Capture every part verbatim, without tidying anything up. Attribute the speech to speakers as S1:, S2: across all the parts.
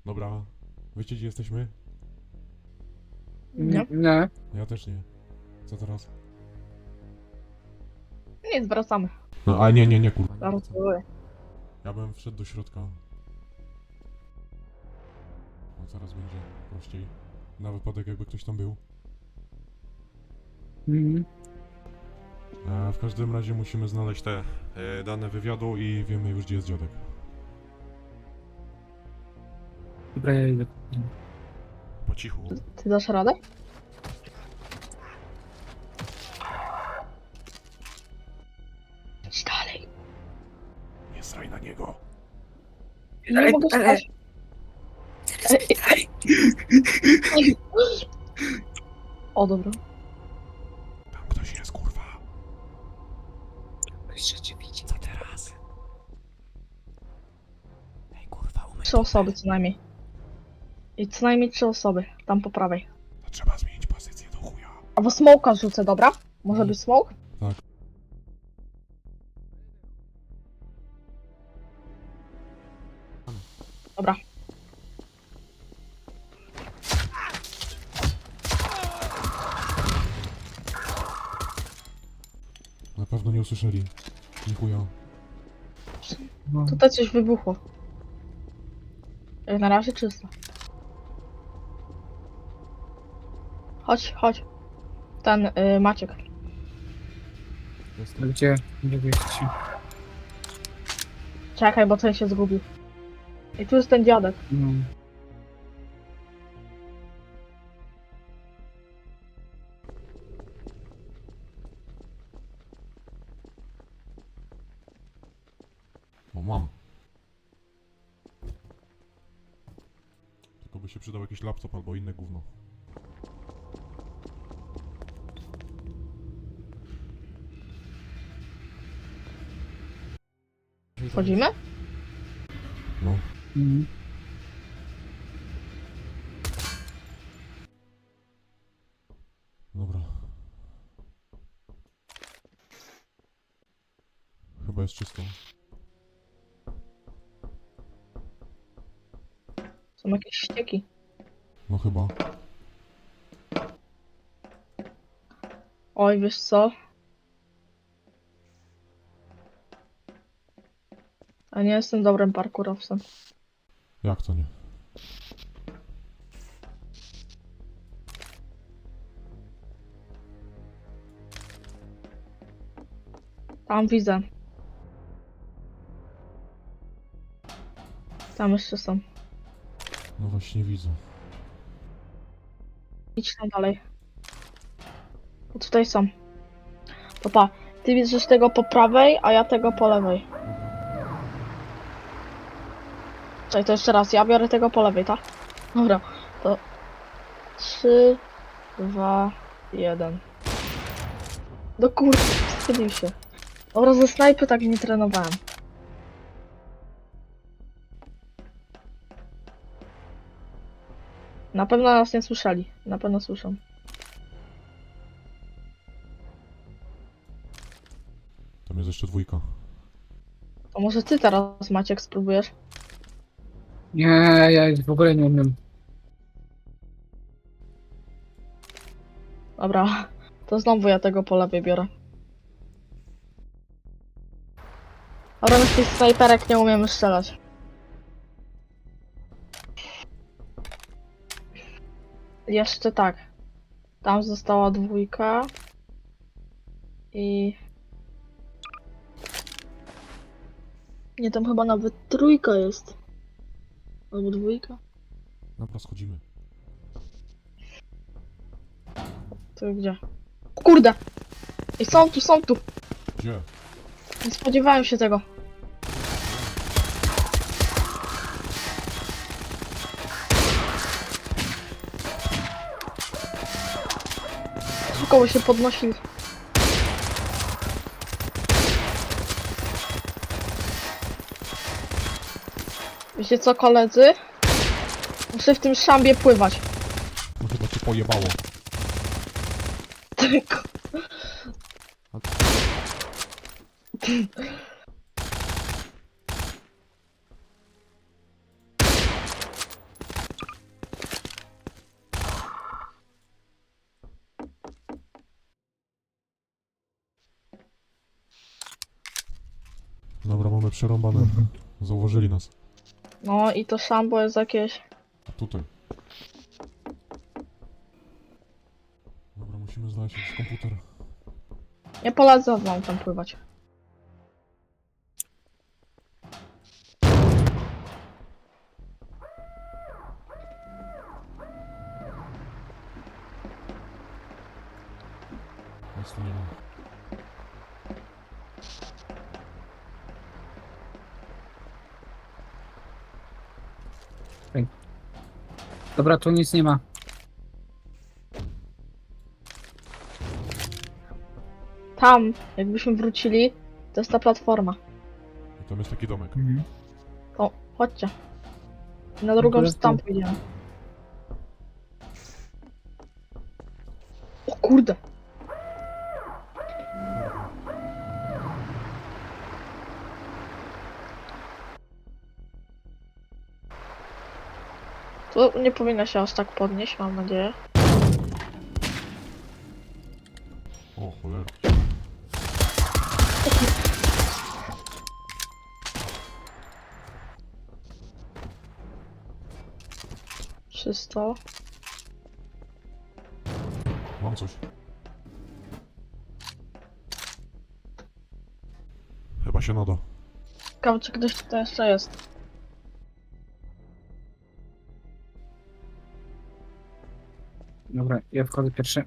S1: Dobra, wiecie gdzie jesteśmy?
S2: Nie.
S3: Nie.
S1: Ja też nie. Co teraz?
S2: Nic, wracamy.
S1: No a nie, nie, nie kurwa. Nie
S2: Zaraz
S1: wracam.
S2: były.
S1: Ja bym wszedł do środka. No zaraz będzie prościej. Na wypadek jakby ktoś tam był.
S3: Mhm.
S1: E, w każdym razie musimy znaleźć te e, dane wywiadu i wiemy już gdzie jest dziadek.
S3: Dobra, ja idę.
S1: Po cichu.
S2: Ty dasz radę? Idź dalej.
S1: Nie sraj na niego.
S2: Nie mogę spać. Ej. O, dobra.
S1: Tam ktoś jest kurwa.
S3: Jeszcze cię widzi.
S1: Co teraz? Ej kurwa, umyj.
S2: Trzy osoby co najmniej. I co najmniej trzy osoby. Tam po prawej.
S1: To trzeba zmienić pozycję do chuja.
S2: Albo smoka rzucę, dobra? Może być smoke?
S1: Tak.
S2: Dobra.
S1: Na pewno nie usłyszeli. Nie chuja.
S3: No.
S2: Tutaj coś wybuchło. Jak na razie czysto. Chodź, chodź. Ten y, Maciek.
S1: Jestem.
S3: Gdzie? Gdzie wy jesteście?
S2: Czekaj, bo ten się zgubił. I tu jest ten dziadek.
S3: No.
S1: O, mam. Tylko by się przydał jakiś laptop albo inne gówno.
S2: Wchodzimy?
S1: No.
S3: Mhm.
S1: Dobra. Chyba jest czysto.
S2: Są jakieś ścieki.
S1: No chyba.
S2: Oj, wiesz co? Ja nie jestem dobrym parkurowcem.
S1: Jak to nie?
S2: Tam widzę. Tam jeszcze są.
S1: No właśnie widzę.
S2: Idź tam dalej. O, tutaj są. To pa, ty widzisz tego po prawej, a ja tego po lewej. Czekaj, to jeszcze raz, ja biorę tego po lewej, tak? Dobra, to... Trzy, dwa, jeden. Do kurde, wstydził się. Dobra, ze snajpy tak nie trenowałem. Na pewno nas nie słyszeli. Na pewno słyszą.
S1: Tam jest jeszcze dwójka.
S2: To może ty teraz, Maciek, spróbujesz?
S3: Nie, ja w ogóle nie umiem.
S2: Dobra, to znowu ja tego po lewej biorę. Dobra, my z tych snajperek nie umiemy strzelać. Jeszcze tak. Tam została dwójka. I... Nie, tam chyba nawet trójka jest. Albo dwójka.
S1: Dobra, schodzimy.
S2: To gdzie? O kurde! I są tu, są tu!
S1: Gdzie?
S2: Nie spodziewałem się tego. Koło się podnosi. Wiecie co, koledzy? Muszę w tym szambie pływać.
S1: No chyba cię pojebało.
S2: Tylko.
S1: Mamy przerąbane. Zauważyli nas.
S2: No i to sambo jest jakieś...
S1: A tutaj. Dobra, musimy znaleźć jakiś komputer.
S2: Nie polecam wam tam pływać.
S1: Nic tu nie ma.
S3: Dobra, tu nic nie ma.
S2: Tam, jakbyśmy wrócili, to jest ta platforma.
S1: I tam jest taki domek.
S3: Mhm.
S2: To chodźcie. Na drugą
S3: to
S2: stronę
S3: jest
S2: pójdziemy. O kurde! To nie powinno się aż tak podnieść, mam nadzieję.
S1: O cholera.
S2: Czysto.
S1: Mam coś. Chyba się nada.
S2: Ciekawe, czy ktoś tutaj jeszcze jest.
S3: Dobra, ja wchodzę pierwszy.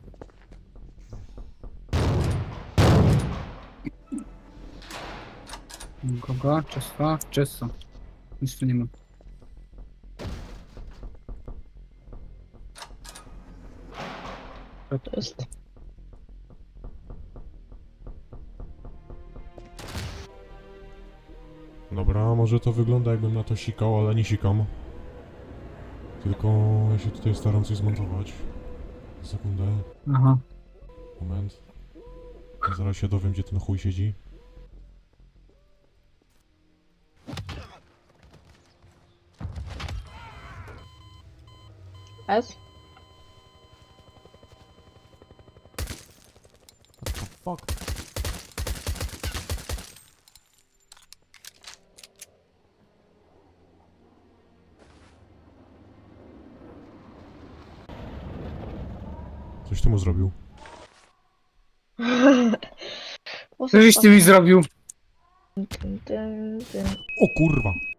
S3: Kogo? Czysto? Czysto. Nic tu nie ma.
S2: To jest.
S1: Dobra, może to wygląda jakbym na to sikał, ale nie sikam. Tylko ja się tutaj staram coś zmontować. Sekundę,
S3: Aha.
S1: moment. Zaraz się dowiem, gdzie ten chuj siedzi.
S2: S?
S1: Fuck. Coś ty mu zrobił.
S3: Co żeś ty mi zrobił?
S2: Tym, tym, tym.
S1: O kurwa!